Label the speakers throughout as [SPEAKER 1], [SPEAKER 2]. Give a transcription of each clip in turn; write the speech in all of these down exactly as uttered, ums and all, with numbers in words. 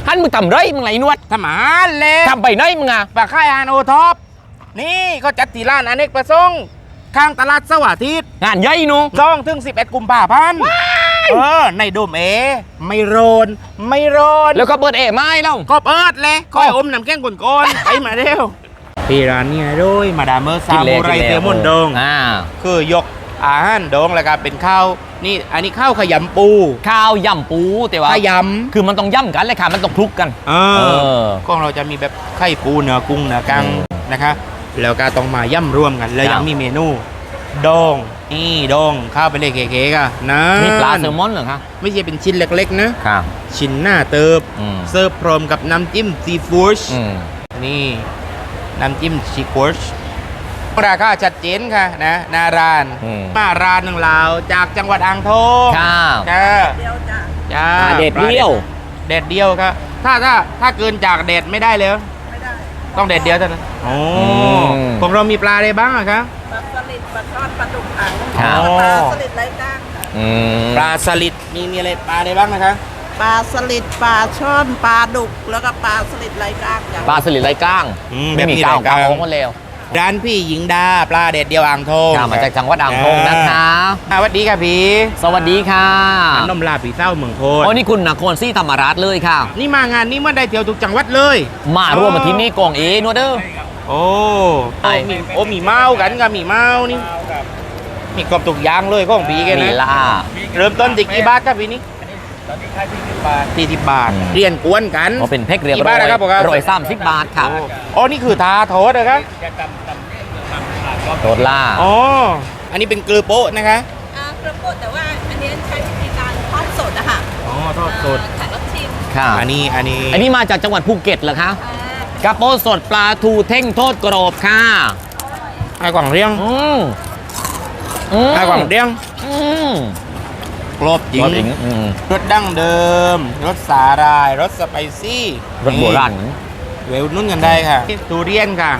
[SPEAKER 1] ฮันมึงทำไรมึงไรนวด
[SPEAKER 2] ทำอาหารเลย
[SPEAKER 1] ทำไปไหนมึงอ่ะ
[SPEAKER 2] ปากค่ายอาหารโอท็อปนี่ก็จัดที่ร้านอเนกประสงค์ข้างตลาดสวัสดิ์
[SPEAKER 1] งานใหญ่หนู
[SPEAKER 2] สองถึงสิบเอ็ดกุมภาพันธ์เออในโดมเอไม่โรนไม่โรน
[SPEAKER 1] แล้วก็เปิดเอ๋ไม้แล้ว
[SPEAKER 2] ก็เปิดเลยคอยอมน้ำแข็งก่อนๆไปมาเร็วพี่ร้านนี้ด้วยมาดามเมอร์ซามูไรเซลมอนดง
[SPEAKER 1] อ่า
[SPEAKER 2] คือยกอาหารดองแล้วก็เป็นข้าวนี่อันนี้ข้าวขยำปู
[SPEAKER 1] ข้าวยำปูแต่ว่า
[SPEAKER 2] ขย
[SPEAKER 1] คือมันต้องย่ำกันเลยค่ะมันต้องคลุกกัน
[SPEAKER 2] ำเอ
[SPEAKER 1] เอ
[SPEAKER 2] อ
[SPEAKER 1] อ
[SPEAKER 2] ก็เราจะมีแบบไข่ปูเนื้อกุ้งเนื้อกัง
[SPEAKER 1] อืม
[SPEAKER 2] นะคะแล้วก็ต้องมาย่ำรวมกันแล้ว
[SPEAKER 1] ครั
[SPEAKER 2] ยั
[SPEAKER 1] บ
[SPEAKER 2] งมีเมนูดองนี่ดองข้าวไปเลยเก๋ๆกันนะ
[SPEAKER 1] นี่ปลาแซลมอนเหรอคะ
[SPEAKER 2] ไม่ใช่เป็นชิ้นเล็กๆนะ
[SPEAKER 1] ค่ะ
[SPEAKER 2] ชิ้นหน้าเติบ
[SPEAKER 1] อืม
[SPEAKER 2] เสิร์ฟพร้อมกับน้ำจิ้มซีฟู้ด
[SPEAKER 1] อืม
[SPEAKER 2] นี่น้ำจิ้มซีฟู้ดราคาชัดเจนค่ะนะหนาร้าน
[SPEAKER 1] อืม
[SPEAKER 2] มาร้านหนึ่งลาวจากจังหวัดอ่างทอง
[SPEAKER 1] ค่ะ
[SPEAKER 2] จ้าจ้า
[SPEAKER 1] ปลาเด็ดเดียว
[SPEAKER 2] เด็ดเดียวครับถ้าถ้าถ้าเกินจากเด็ดไม่ได้เลยไม่ได้ต้องเด็ดเดียวเท่านั้นโอ้ของเรามีปลาอะไรบ้างอะครับ
[SPEAKER 3] ปลาสลิดปลาทอดปลาดุกถัง
[SPEAKER 1] ครับ
[SPEAKER 3] ปลาสลิดไร้กล้าง
[SPEAKER 1] อืม
[SPEAKER 2] ปลาสลิดมีมีอะไรปลาอะไรบ้างนะคะ
[SPEAKER 3] ปลาสลิดปลาช่อนปลาดุกแล้วก็ปลาสลิดไร้กล้างอย่าง
[SPEAKER 1] ปลาสลิดไรก้าง
[SPEAKER 2] อืม
[SPEAKER 1] ไม่มี
[SPEAKER 2] แบบนี้
[SPEAKER 1] ก้าง
[SPEAKER 2] ไร้ก้าง
[SPEAKER 1] ก้างของมันแล้ว
[SPEAKER 2] ร้านพี่หญิงดาปลาเด็ดเดียวอ่างทอง
[SPEAKER 1] ค่ะมาจากจังหวัดอ่างทองนะคะ
[SPEAKER 2] อ่าสวัสดีค่ะพี่
[SPEAKER 1] สวัสดีค่ะ
[SPEAKER 2] น้ำลาผีเศร้าเมืองโพธิ์
[SPEAKER 1] โอ้นี่คุณนครศรีธรรมราชเลยค่ะ
[SPEAKER 2] นี่มางานนี้เมื่อได้เที่ยวทุกจังหวัดเลย
[SPEAKER 1] มาร่วมมาที่นี่กองเอนวดเดอร์
[SPEAKER 2] โอ้
[SPEAKER 1] ไอ้
[SPEAKER 2] โอ้มีโอ้มีเมากันกับมีเมานี่มีกรอบตุกอยางเลยของพี่แก
[SPEAKER 1] มี
[SPEAKER 2] นะ
[SPEAKER 1] ล่า
[SPEAKER 2] เริ่มต้นที่กี่บาทครับพี่นี่สี่สิบบาท เรียนกวนกัน
[SPEAKER 1] เพราะเป็นเพกเรียบ
[SPEAKER 2] กี่
[SPEAKER 1] ร้
[SPEAKER 2] บา
[SPEAKER 1] อ
[SPEAKER 2] ท
[SPEAKER 1] ย
[SPEAKER 2] นะครับผมครับ
[SPEAKER 1] ร้อยสามสิบบาทค่ะ
[SPEAKER 2] โอ้อ๋อนี่คือทาโทษนะครับ
[SPEAKER 1] โดดล่า
[SPEAKER 2] อ๋ออันนี้เป็นเกลือโป๊ะนะคะ
[SPEAKER 3] อ่ากระปุกแต่ว่าอันนี้ใช้วิธีการทอดสดอะค่ะ
[SPEAKER 2] อ๋อทอดสด
[SPEAKER 3] แขกรับชิม
[SPEAKER 1] ค่ะ
[SPEAKER 2] อันนี้อันนี้
[SPEAKER 1] อันนี้มาจากจังหวัดภูเก็ตเหรอคะ
[SPEAKER 3] อ่าก
[SPEAKER 1] ระโปสดปลาทูเท่งโทษกรอบค่ะ
[SPEAKER 2] ไอ้กว่างเรียง
[SPEAKER 1] อืมอืม
[SPEAKER 2] ไอ้กว่างเรียง
[SPEAKER 1] อืม
[SPEAKER 2] กรอบจริ
[SPEAKER 1] รสอิง
[SPEAKER 2] ง
[SPEAKER 1] อืม
[SPEAKER 2] รสดั้งเดิม รสสาหร่าย รสสไปซี่
[SPEAKER 1] รสโบราณ
[SPEAKER 2] เวลนุ่นกันได้ค่ะทุเรียนค่ะ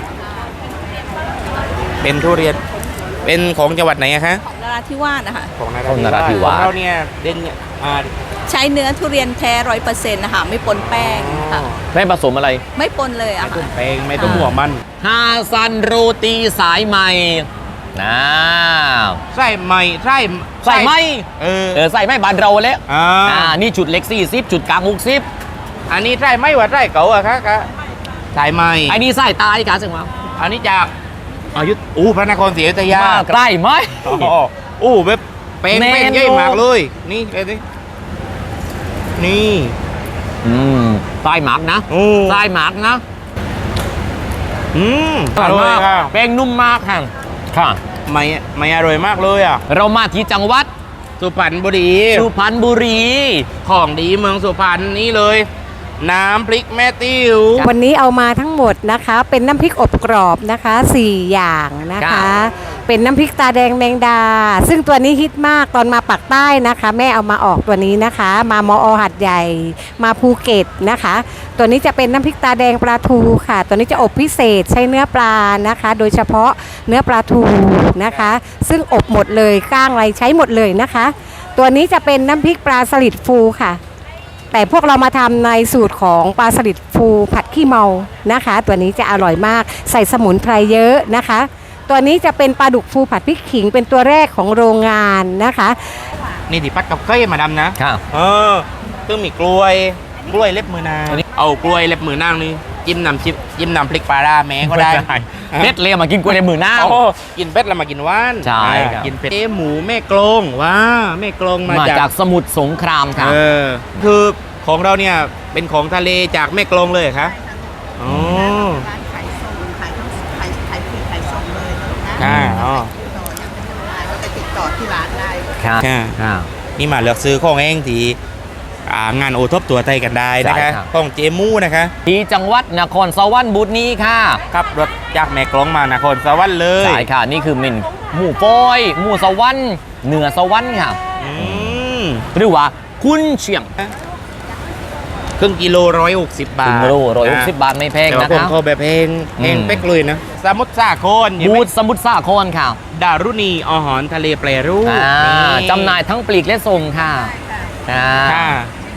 [SPEAKER 2] เป็นทุเรียน เป็นของจังหวัดไหนอะคะ
[SPEAKER 3] ของนราธิวาสนะคะ
[SPEAKER 2] ของ
[SPEAKER 1] ของนราธิวาส
[SPEAKER 2] ของเราเนี่ยเด่นเนี่ยอ่า
[SPEAKER 3] ใช้เนื้อทุเรียนแท้ร้อยเปอร์เซ็นต์นะคะไม่ปนแป้งค่ะ
[SPEAKER 1] ไม่ผสมอะไร
[SPEAKER 3] ไม่ปนเลย
[SPEAKER 2] ไม่
[SPEAKER 3] อะ
[SPEAKER 2] ต้
[SPEAKER 3] ค่ะ
[SPEAKER 2] มแป้งไม่ต้มหัวมัน
[SPEAKER 1] ฮาซันโรตีสายใหม่นะ
[SPEAKER 2] ไส้ใหม่ไส้
[SPEAKER 1] ใส่ไหม
[SPEAKER 2] เออ
[SPEAKER 1] เออใส่ไหมบานเราแล้ว
[SPEAKER 2] อ่า
[SPEAKER 1] อ่านี่จุดเล็กสี่สิบจุดกลางหกสิบ
[SPEAKER 2] อันนี้ไส้ไหม่ว่าไส้เก๋าอะคะคะไส้ไหม่
[SPEAKER 1] ไอ้นี่ใส่ตายค่ะสึงมา
[SPEAKER 2] อันนี้จากอายุอู้พระนครศรีอยุธยา
[SPEAKER 1] มาใกล้ไหม
[SPEAKER 2] อ๋ออู้แบบเป้ง
[SPEAKER 1] แน่น
[SPEAKER 2] เป้งใหญ่มากเลย นี่เลยสินี่
[SPEAKER 1] อืมใส่หมักนะ
[SPEAKER 2] โอ้
[SPEAKER 1] ใส่หมักนะ
[SPEAKER 2] อืมอ
[SPEAKER 1] อร่
[SPEAKER 2] ร่
[SPEAKER 1] อ
[SPEAKER 2] อย ย
[SPEAKER 1] มาก
[SPEAKER 2] ค่ะ
[SPEAKER 1] แป้งนุ่มมากค่ะค่ะ
[SPEAKER 2] ไม่ไม่อร่อยมากเลยอ่ะ
[SPEAKER 1] เรามาที่จังหวัด
[SPEAKER 2] สุพรรณบุรี
[SPEAKER 1] สุพรรณบุรี
[SPEAKER 2] ของดีเมืองสุพรรณนี่เลย น้ำพริกแม่ติ้ว
[SPEAKER 4] วันนี้เอามาทั้งหมดนะคะ เป็นน้ำพริกอบกรอบนะคะสี่อย่างนะ
[SPEAKER 1] ครั
[SPEAKER 4] คะ
[SPEAKER 1] บ
[SPEAKER 4] เป็นน้ำพริกตาแดงแมงดา ซึ่งตัวนี้ฮิตมากตอนมาปักใต้นะคะ แม่เอามาออกตัวนี้นะคะ มามอหัดใหญ่ มาภูเก็ตนะคะ ตัวนี้จะเป็นน้ำพริกตาแดงปลาทูค่ะ ตัวนี้จะอบพิเศษใช้เนื้อปลานะคะ โดยเฉพาะเนื้อปลาทูนะคะ ซึ่งอบหมดเลยก้างอะไรใช้หมดเลยนะคะ ตัวนี้จะเป็นน้ำพริกปลาสลิดฟูค่ะ แต่พวกเรามาทำในสูตรของปลาสลิดฟูผัดขี้เมานะคะ ตัวนี้จะอร่อยมากใส่สมุนไพรเยอะนะคะ ตัวนี้จะเป็นปลาดุกฟูผัดพริกขิงเป็นตัวแรกของโรงงานนะคะ
[SPEAKER 2] นี่ที่พัดกับเก้ยมาดำนะ
[SPEAKER 1] ค่ะ
[SPEAKER 2] เออซึ่งมีกล้วย กล้วยเล็บมือนาง เอากล้วยเล็บมือนางนี่จิ้มน้ำจิ้มจิ้มน้ำพริกปลาร้าแม้ก็ได้
[SPEAKER 1] เม็ดเลยมากินกล้วยในมือหน้า
[SPEAKER 2] โอ้กินเป็ดแล้วมากินว่าน
[SPEAKER 1] ใช่
[SPEAKER 2] อ่า
[SPEAKER 1] ครับ
[SPEAKER 2] กินเป็ดเอ๊ะหมูแม่กลงว้าแม่กลงมา
[SPEAKER 1] มา
[SPEAKER 2] จาก
[SPEAKER 1] จากสมุทรสงครามค่ะ
[SPEAKER 2] เออคือของเราเนี่ยเป็นของทะเลจากแม่กลงเลยเหรอคะอ๋อ
[SPEAKER 3] ร้านขายส่งขายทั้งขายขายปลีกขายส่งเลยนะ
[SPEAKER 2] อ่าอ๋อ
[SPEAKER 3] ก็ไปติดต่อที่ร้านได้
[SPEAKER 1] ค่ะ
[SPEAKER 2] ค่ะ
[SPEAKER 1] ค่ะ
[SPEAKER 2] นี่มาเลือกซื้อของเองที่อ่างานโอทบตัวไทยกันได้นะ
[SPEAKER 1] ใช่
[SPEAKER 2] คะ
[SPEAKER 1] ครับ
[SPEAKER 2] ของเจมูนะคะ
[SPEAKER 1] ที่จังหวัดนครสวรรค์บุรีค่ะ
[SPEAKER 2] ขับรถจากแม่กลองมานครสวรรค์เลย
[SPEAKER 1] ใช่ค่ะ นี่คือเมนหมูฟอย หมูสวรรค์เหนือสวรรค์ค่ะ
[SPEAKER 2] อืม
[SPEAKER 1] หรือว่าคุณเชียง
[SPEAKER 2] ครึ่งกิโลร้อยหกสิบบา
[SPEAKER 1] ถึ
[SPEAKER 2] ท
[SPEAKER 1] งโลร้อยหกสิบบาทไม่แพง
[SPEAKER 2] แต่ว่า
[SPEAKER 1] นะ
[SPEAKER 2] ผม
[SPEAKER 1] คะ
[SPEAKER 2] เขาแบบเพลงเพลง
[SPEAKER 1] อืม
[SPEAKER 2] เป๊กเลยนะ สมุทรสาครเห็นไห
[SPEAKER 1] บู
[SPEAKER 2] ม
[SPEAKER 1] ธสมุทรสาครค่ะ
[SPEAKER 2] ดารุณีอาหารทะเลแปรรูป
[SPEAKER 1] อ่า
[SPEAKER 2] นี่
[SPEAKER 1] จำหน่ายทั้งปลีกและส่งค่ะอ่า
[SPEAKER 2] ค่ะ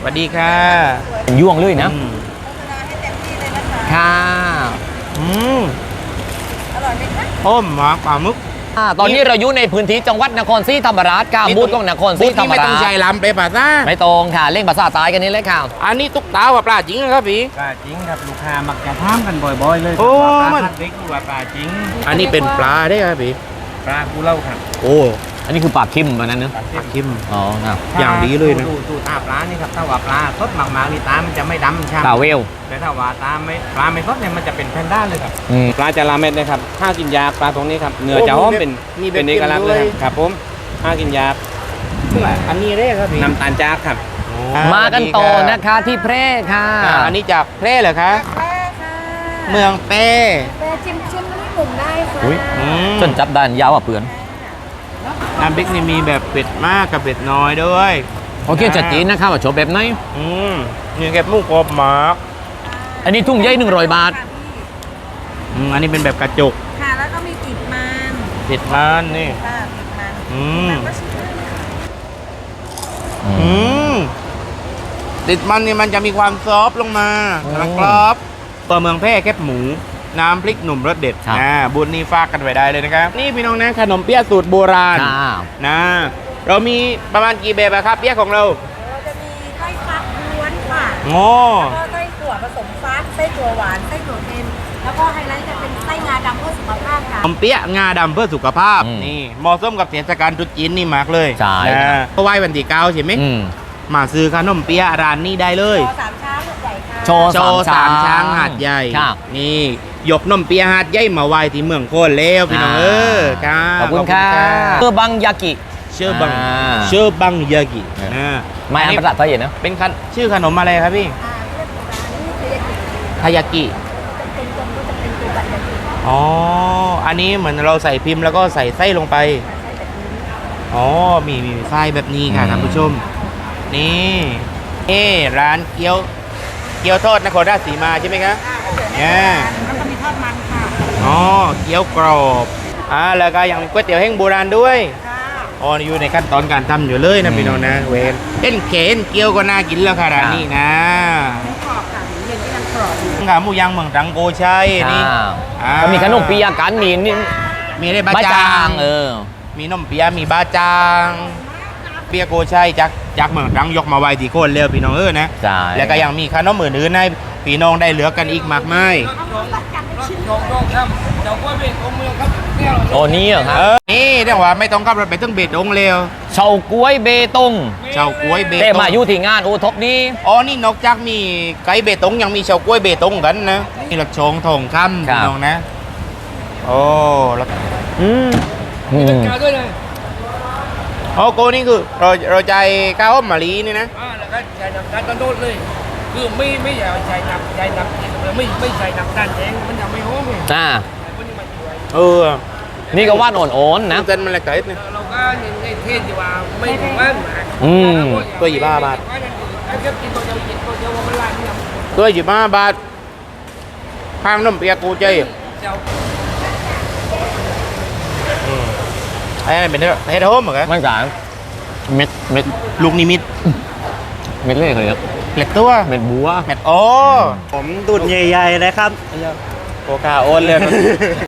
[SPEAKER 2] วัสดีค่ะ
[SPEAKER 1] เป็นยวงเลยนะ
[SPEAKER 2] อืม
[SPEAKER 1] ค่ะ
[SPEAKER 2] อืมต้มหมาปลาหมึก
[SPEAKER 1] อ่าตอนนี้เราอยู่ในพื้นที่จังหวัดนครศรีธรรมราชค่ะบูธของนครศรี
[SPEAKER 2] บูธ
[SPEAKER 1] ธร
[SPEAKER 2] ที่
[SPEAKER 1] รม
[SPEAKER 2] ไม่ต้
[SPEAKER 1] รา
[SPEAKER 2] อง
[SPEAKER 1] ช
[SPEAKER 2] ใช้ลำไปป่ะซ่า
[SPEAKER 1] ไม่ตรงค่ะเล่งภาษาใต้กันนี้เลยค่ะ
[SPEAKER 2] อันนี้ตุ๊กตาว่าปลาจริงนะครับพี่
[SPEAKER 5] ปลาจริงครับลูกค้ามักจะถามกันบ่อยๆเลย
[SPEAKER 2] โอ้
[SPEAKER 5] ว่าป
[SPEAKER 2] มั
[SPEAKER 5] ลาน ทัดเด็กหรือว่าปลาจริง
[SPEAKER 2] อันนี้เป็นปลาได้ครับพี่
[SPEAKER 5] ปลากูเล่าครับ
[SPEAKER 2] โอ้
[SPEAKER 1] อันนี้คือปลาคิมตอนนั้นเนอะ
[SPEAKER 5] ปลา
[SPEAKER 2] ป
[SPEAKER 5] เส้
[SPEAKER 2] ลาน คิม
[SPEAKER 1] อ๋อครับ
[SPEAKER 2] อย่างดีเลยนะ
[SPEAKER 5] ดูดูตาปลานี่ครับถ้าว่าปลาสดมากๆนี่ตามันจะไม่ดำใช่
[SPEAKER 1] ปลาเวล
[SPEAKER 5] แต่ถ้าว่าตาไม่ปลาไม่สดเนี่ยมันจะเป็นแพนด้าเลยครับ
[SPEAKER 1] อืม
[SPEAKER 5] ปลาจะลาเม็ดนะครับถ้ากินยาปลาตรงนี้ครับเนื้อจะหอมเป็น
[SPEAKER 2] มีแบบ
[SPEAKER 5] เป็นเอกลักษณ์เลยครับครับผมถ้ากินยา
[SPEAKER 2] อันนี้ได้ครับพี่
[SPEAKER 5] น้ำตาลจากครับ
[SPEAKER 2] อ่
[SPEAKER 1] มากันต่อ
[SPEAKER 2] สวัสดี
[SPEAKER 1] นะคะที่แพร่ค่ะ
[SPEAKER 2] อ่าอันนี้จากแพร่เหรอคะ
[SPEAKER 4] แป้ค่ะ
[SPEAKER 2] เมืองแพร่
[SPEAKER 4] แป้ชิมชิมนี่หนุ่มได้ค่ะ
[SPEAKER 1] อุ๊ย
[SPEAKER 2] อืม
[SPEAKER 1] จนจับด้านยาวอ่ะเปือน
[SPEAKER 2] น้ำพริกนี่มีแบบเป็ดมากกับเป็ดน้อยด้วย
[SPEAKER 1] โอเคจัดจีนนะครับว่าโฉบแบบไหน
[SPEAKER 2] อืมนี่แกบมุกกรอบหมาก
[SPEAKER 1] อันนี้ทุ่งใหญ่หนึ่งร้อยบาท
[SPEAKER 2] อืมอันนี้เป็นแบบกระจก
[SPEAKER 4] ค่ะแล้วก็มีติดมัน
[SPEAKER 2] เป็ดมันนี่
[SPEAKER 4] ค่ะติดมัน
[SPEAKER 2] อืม
[SPEAKER 4] ก็ชิมได้
[SPEAKER 2] อืมติดมันนี่มันจะมีความซอฟต์ลงมา
[SPEAKER 1] อืม
[SPEAKER 2] กำลังกรอบตัวเมืองแพร่แคบหมู น้ำพริกหนุ่มรสเด็ด
[SPEAKER 1] ครับ
[SPEAKER 2] อ่าบุญนี่ฝากกันไว้ได้เลยนะครับ นี่พี่น้องนะขนมเปี๊ยะสูตรโบราณ
[SPEAKER 1] ค่ะ
[SPEAKER 2] นะเรามีประมาณกี่แบบอะครับเปี๊ยะของเรา
[SPEAKER 4] เราจะมีไส้ฟักล้วนค่ะ
[SPEAKER 2] โอ้
[SPEAKER 4] แล้วก็ไส้ถั่วผสมฟักไส้ถั่วหวานไส้ถั่วเค็มแล้วก็ไฮไลท์จะเป็นไส้งาดำเพื่อสุขภาพค่ะ
[SPEAKER 2] ขนมเปี๊ยะงาดำเพื่อสุขภาพ
[SPEAKER 1] อืม
[SPEAKER 2] นี่เหมาะสมกับเทศกาลตรุษจีนนี่มากเลย
[SPEAKER 1] ใช่
[SPEAKER 2] นะเพราะไหว้วันที่เก้าใช่ไหม
[SPEAKER 1] อืม
[SPEAKER 2] มาซื้อขนมเปี๊ยะร้านนี้ได้เลย
[SPEAKER 4] โชว์สามช้างใหญ่ค่ะ
[SPEAKER 1] โชว์
[SPEAKER 2] โชว์สามช้างหาดใหญ่
[SPEAKER 1] ครับ
[SPEAKER 2] นี่ยกนมเปี๊ยะหาดใหญ่มาไหว้ที่เมืองโคนแล้วพี่น้องเออครับ
[SPEAKER 1] ขอบคุณค่ะเออบังยากิ
[SPEAKER 2] เชื่อบัง
[SPEAKER 1] อ่า
[SPEAKER 2] เชื่อบังยากิ
[SPEAKER 1] เออ
[SPEAKER 2] นะ
[SPEAKER 1] ไม่
[SPEAKER 2] อัน
[SPEAKER 1] อ่าน
[SPEAKER 2] นี้
[SPEAKER 1] ภาษาไทยนะ
[SPEAKER 2] เป็นขนชื่อขนมอะไรครับพี่
[SPEAKER 4] อ่าเรียกว่านี่คือยากิ
[SPEAKER 2] ทายากิ
[SPEAKER 4] เป็นตรงก็จะเป็นตัวแบบยากิ
[SPEAKER 2] อ๋ออันนี้เหมือนเราใส่พิมพ์แล้วก็ใส่ไส้ลงไปอ๋อมีมีไส้แบบนี้ค่ะ
[SPEAKER 1] อืม
[SPEAKER 2] ท่านผู้ชมนี่เอ่ร้านเกี๊ยวเกี๊ยวทอดนครราชสีมาใช่ไหมครับเนี่ย
[SPEAKER 4] แล้วก็มีทอดมันค่ะ
[SPEAKER 2] อ๋อเกี๊ยวกรอบอ่าแล้วก็ยังมีก๋วยเตี๋ยวแห้งโบราณด้วย
[SPEAKER 4] ค่ะ
[SPEAKER 2] อ๋ออยู่ในขั้นตอนการทำอยู่เลยนะพี่น้องนะเวนเอ็นเขนเกี๊ยวก็น่ากินแล้วค่ะร้านนี้นะ
[SPEAKER 4] กรอบค่ะเย็นก็ยังกรอบอยู่
[SPEAKER 2] ขาหมูย่างเมืองตรังโกชัยนี่
[SPEAKER 1] อ่า
[SPEAKER 2] อ่า
[SPEAKER 1] ก็มีขนมปียากันมีนี่
[SPEAKER 2] มีได้บะ
[SPEAKER 1] บะ
[SPEAKER 2] จา
[SPEAKER 1] จาง งเออ
[SPEAKER 2] มีนมเปี๊ยะมีบะจางเปี๊ยะโกชัยจากจากเมืองตรังยกมาไว้ที่โคนเร็วพี่น้องเออนะ
[SPEAKER 1] ใช่
[SPEAKER 2] แล้วก็ยังมีขนมอื่นๆให้พี่น้องได้เหลือกันอีกมากมาย
[SPEAKER 1] โอ้นี่เหรอครับ
[SPEAKER 2] เออนี่เรียกว่าไม่ต้องขับรถไปถึงเบตงเร็ว
[SPEAKER 1] เฉาก๊วยเบตง
[SPEAKER 2] เฉาก๊วยเบต
[SPEAKER 1] แต่
[SPEAKER 2] ง
[SPEAKER 1] มาอยู่ที่งานโอท็อปนี้
[SPEAKER 2] อ๋อนี่นอกจากมีไก่เบตงยังมีเฉาก๊วยเบตงกันนะนี่หลักชงทองคำพี่น้องนะโอ้แล้ว
[SPEAKER 1] อืมอืม
[SPEAKER 2] โอ้โกนี่คือเราเราใจข้าวหอมมะลินี่นะ
[SPEAKER 6] อ่าแล้วก็ใช้น้ำตาลต้นโทษเลย คือไม่ไม่อยากใช้น้ำใช้น้ำไม่ไม่ใช้น้ำตาลแดงมันจะไม่หอมไง
[SPEAKER 1] อ่า
[SPEAKER 6] มันจะมาช่วย
[SPEAKER 2] เออ
[SPEAKER 1] นี่ก็ว่านอ่อนๆนะ
[SPEAKER 2] น้ำเต้นมันอะไรกันเนี่ย
[SPEAKER 6] เราก็เน้นในเทศที่ว่าไม่ถึงว่านหมาก
[SPEAKER 1] อืม
[SPEAKER 2] ตัวยี่บ้าบาท
[SPEAKER 6] ถ้าเกิดกินตัวเดียวกินตัวเดียวว่ามันลายเนี่ย
[SPEAKER 2] ตัวยี่ห้าบาทข้างน้ำเปียกกูใจ
[SPEAKER 6] เจ้า
[SPEAKER 2] ไอ้นั่นเป็นเฮดโฮมเหรอครับ
[SPEAKER 1] มันกลางเม็ดเม็ด
[SPEAKER 2] ลูกนิมิต
[SPEAKER 1] เม็ดเล็กเลยครับ
[SPEAKER 2] เล็กตัว
[SPEAKER 1] เม็ดบัว
[SPEAKER 2] แมทโอ้
[SPEAKER 5] ผมดุดใหญ่ๆเลยครับ
[SPEAKER 2] โอกาโอนเลย